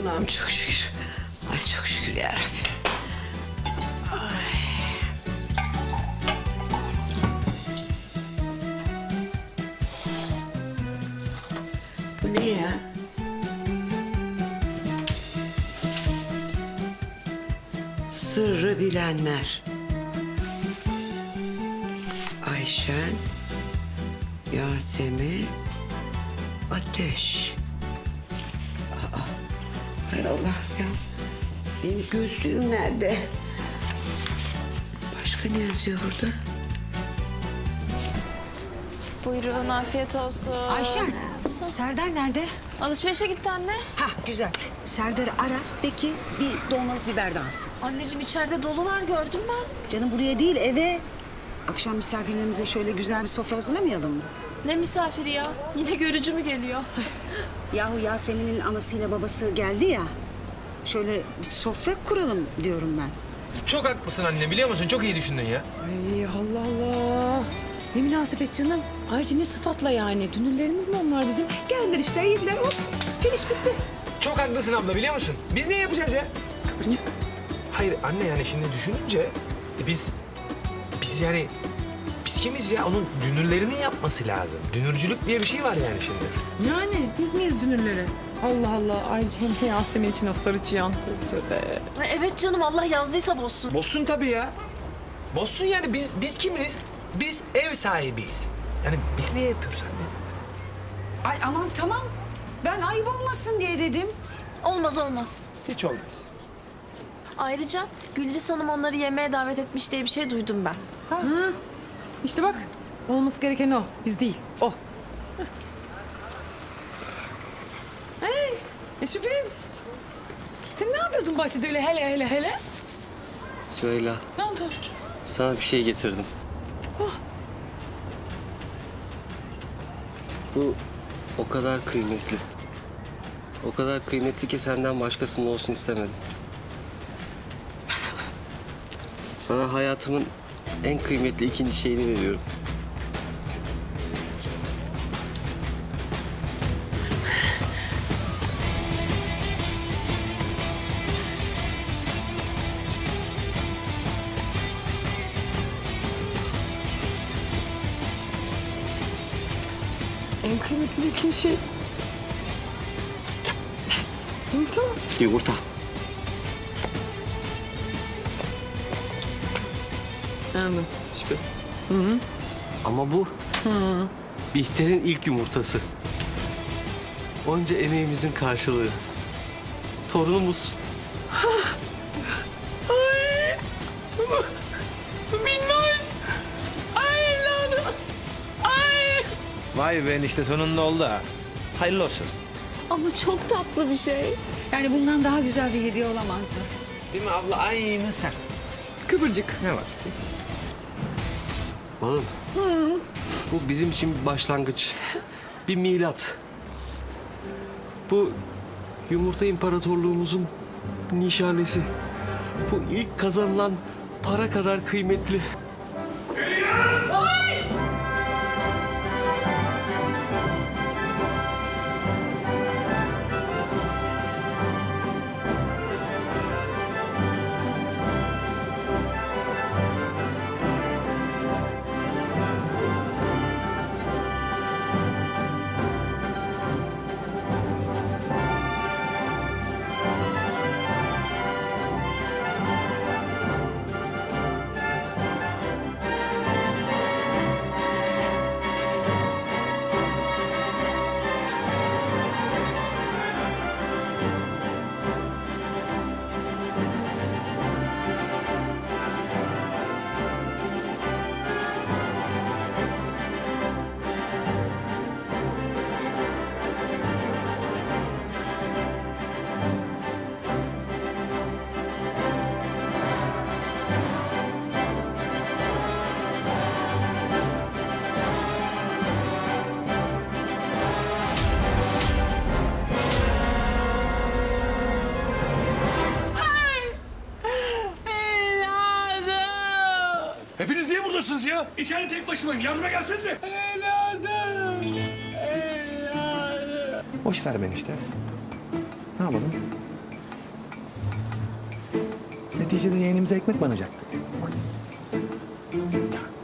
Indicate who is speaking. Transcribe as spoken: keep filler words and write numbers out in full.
Speaker 1: Allah'ım çok şükür. Ay çok şükür yarabbim. Ay. Bu ne ya? Sırrı bilenler. Ayşen, Yasemin, Ateş. Aa, hay Allah ya. Benim gözlüğüm nerede? Başka ne yazıyor burada?
Speaker 2: Buyurun, afiyet olsun.
Speaker 3: Ayşen, Serdar nerede?
Speaker 2: Alışverişe gitti anne.
Speaker 3: Ha güzel. Serdar'ı ara, de ki bir dolmalık biber de alsın.
Speaker 2: Anneciğim içeride dolu var, gördüm ben.
Speaker 3: Canım buraya değil, eve. Akşam misafirlerimize şöyle güzel bir sofra hazırlamayalım mı?
Speaker 2: Ne misafiri ya? Yine görücü mü geliyor?
Speaker 3: Yahu Yasemin'in anasıyla babası geldi ya. Şöyle bir sofra kuralım diyorum ben.
Speaker 4: Çok haklısın anne, biliyor musun? Çok iyi düşündün ya.
Speaker 5: Ay Allah Allah. Ne münasebet canım. Ayrıca ne sıfatla yani? Dünürlerimiz mi onlar bizim? Geldiler işte, yediler, hop. Finish bitti.
Speaker 4: Çok haklısın abla, biliyor musun? Biz ne yapacağız ya?
Speaker 5: Kıvırcık.
Speaker 4: Hayır anne, yani şimdi düşününce e, biz biz yani biz kimiz ya? Onun dünürlerinin yapması lazım. Dünürcülük diye bir şey var yani şimdi.
Speaker 5: Yani biz miyiz dünürleri? Allah Allah. Ayrıca hem de Yasemin için o sarı çıyan. Tövbe tövbe.
Speaker 2: Ay, evet canım, Allah yazdıysa bozsun.
Speaker 4: Bozsun tabii ya. Bozsun yani, biz biz kimiz? Biz ev sahibiyiz. Yani biz niye yapıyoruz anne?
Speaker 3: Ay aman tamam. Ben ayıp olmasın diye dedim.
Speaker 2: Olmaz olmaz.
Speaker 4: Hiç olmaz.
Speaker 2: Ayrıca Gülriz Hanım onları yemeğe davet etmiş diye bir şey duydum ben.
Speaker 5: İşte bak. Olması gereken o. Biz değil. O. Hey. Eşifim. Sen ne yapıyordun bahçede öyle hele hele hele?
Speaker 6: Süheyla,
Speaker 5: Ne oldu?
Speaker 6: sana bir şey getirdim. Bu o kadar kıymetli. O kadar kıymetli ki senden başkasının olsun istemedim. Sana hayatımın en kıymetli ikinci şeyini veriyorum.
Speaker 5: En kıymetli ikinci şey. Yumurta mı?
Speaker 6: Yumurta.
Speaker 5: Anladım. Şüphe.
Speaker 6: Ama bu Bihter'in ilk yumurtası. Onca emeğimizin karşılığı. Torunumuz.
Speaker 5: Minnoş. Ay evladım. Ay.
Speaker 4: Vay be, işte sonunda oldu ha. Hayırlı olsun.
Speaker 2: Ama çok tatlı bir şey.
Speaker 3: Yani bundan daha güzel bir hediye olamazdı.
Speaker 4: Değil mi abla? Aynı sen.
Speaker 5: Kıvırcık.
Speaker 4: Ne var?
Speaker 6: Balım. Bu bizim için bir başlangıç. Bir milat. Bu yumurta imparatorluğumuzun nişanesi. Bu ilk kazanılan para kadar kıymetli.
Speaker 7: Hepiniz niye buradasınız ya? İçeride tek başımayım. Yardıma gelsenize.
Speaker 4: Boş ver beni işte. Ne yapalım? neticede yeğenimize ekmek banacaktı.